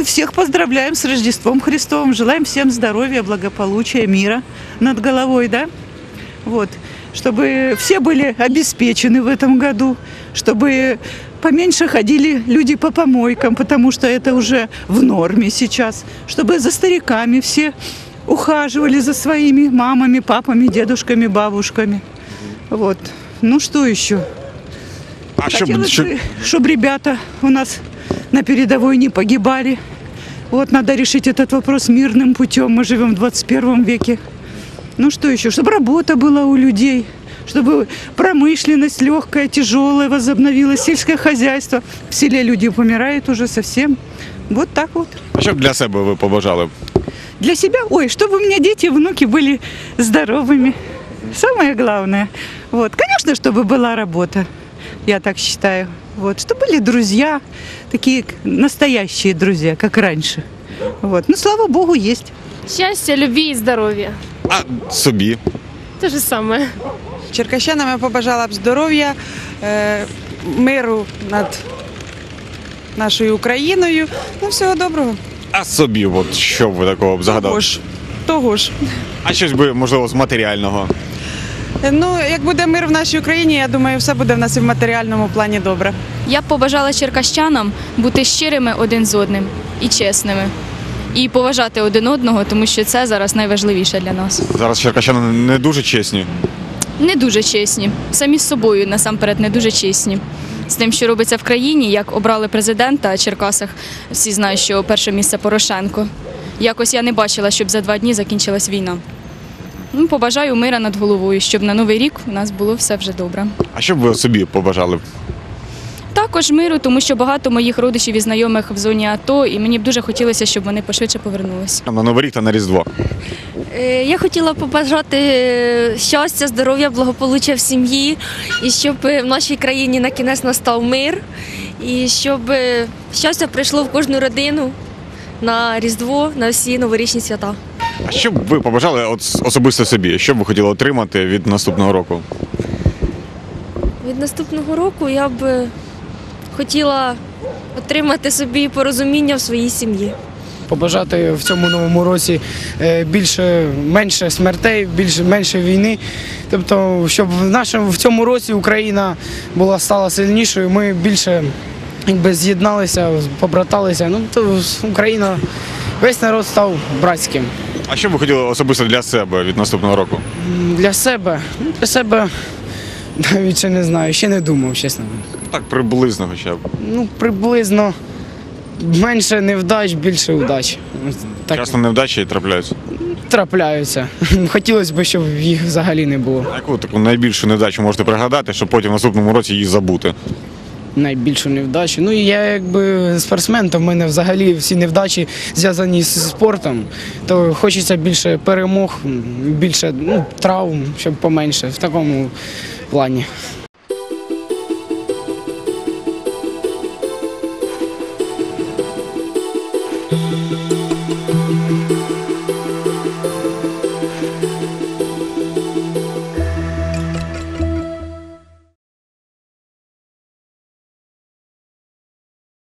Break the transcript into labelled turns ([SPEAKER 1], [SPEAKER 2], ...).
[SPEAKER 1] всех поздравляем с Рождеством Христовым. Желаем всем здоровья, благополучия, мира над головой, да? Вот. Чтобы все были обеспечены в этом году, чтобы поменьше ходили люди по помойкам, потому что это уже в норме сейчас, чтобы за стариками все ухаживали за своими мамами, папами, дедушками, бабушками. Вот. Ну что еще? Хотелось бы, чтобы ребята у нас на передовой не погибали. Вот надо решить этот вопрос мирным путем. Мы живем в 21 веке. Ну что еще? Чтобы работа была у людей, чтобы промышленность легкая, тяжелая возобновилась, сельское хозяйство. В селе люди помирают уже совсем. Вот так вот.
[SPEAKER 2] А що б для себе ви побажали?
[SPEAKER 1] Для себя? Ой, чтобы у меня дети и внуки были здоровыми. Самое главное. Вот. Конечно, чтобы была работа, я так считаю. Вот. Чтобы были друзья, такие настоящие друзья, как раньше. Вот. Ну, слава Богу, есть.
[SPEAKER 3] Щастя, любві і здоров'я.
[SPEAKER 2] А собі?
[SPEAKER 3] Те ж саме.
[SPEAKER 4] Черкащанам я побажала б здоров'я, миру над нашою Україною. Ну, всього доброго.
[SPEAKER 2] А собі, от що б ви такого б загадали?
[SPEAKER 4] Того ж.
[SPEAKER 2] А щось би, можливо, з матеріального?
[SPEAKER 4] Ну, як буде мир в нашій Україні, я думаю, все буде в нас і в матеріальному плані добре.
[SPEAKER 5] Я б побажала черкащанам бути щирими один з одним і чесними. І поважати один одного, тому що це зараз найважливіше для нас.
[SPEAKER 2] Зараз черкащани не дуже чесні.
[SPEAKER 5] Не дуже чесні. Самі з собою, насамперед, не дуже чесні. З тим, що робиться в країні, як обрали президента в Черкасах, всі знають, що перше місце Порошенко. Якось я не бачила, щоб за 2 дні закінчилась війна. Ну, побажаю мира над головою, щоб на Новий рік у нас було все вже добре.
[SPEAKER 2] А що б ви собі побажали?
[SPEAKER 5] Також миру, тому що багато моїх родичів і знайомих в зоні АТО, і мені б дуже хотілося, щоб вони пошвидше повернулися.
[SPEAKER 2] На Новий рік та на Різдво.
[SPEAKER 6] Я хотіла побажати щастя, здоров'я, благополуччя в сім'ї, і щоб в нашій країні на кінець настав мир, і щоб щастя прийшло в кожну родину на Різдво, на всі новорічні свята.
[SPEAKER 2] А що б ви побажали особисто собі? Що б ви хотіли отримати від наступного року?
[SPEAKER 6] Від наступного року я б хотіла отримати собі порозуміння в своїй сім'ї.
[SPEAKER 7] Побажати в цьому новому році менше смертей, менше війни. Тобто, щоб в цьому році Україна стала сильнішою, ми більше з'єдналися, побраталися. Ну, то Україна, весь народ став братським.
[SPEAKER 2] А що б ви хотіли особисто для себе від наступного року?
[SPEAKER 7] Для себе навіть ще не знаю, ще не думав, чесно.
[SPEAKER 2] Так, приблизно хоча б.
[SPEAKER 7] Ну, приблизно менше невдач, більше удач. Так.
[SPEAKER 2] Часто невдачі трапляються?
[SPEAKER 7] Трапляються. Хотілося б, щоб їх взагалі не було.
[SPEAKER 2] А яку таку найбільшу невдачу можете пригадати, щоб потім в наступному році її забути?
[SPEAKER 7] Найбільшу невдачу. Ну, я якби спортсмен, то в мене взагалі всі невдачі зв'язані з спортом. То хочеться більше перемог, більше травм, щоб поменше в такому плані.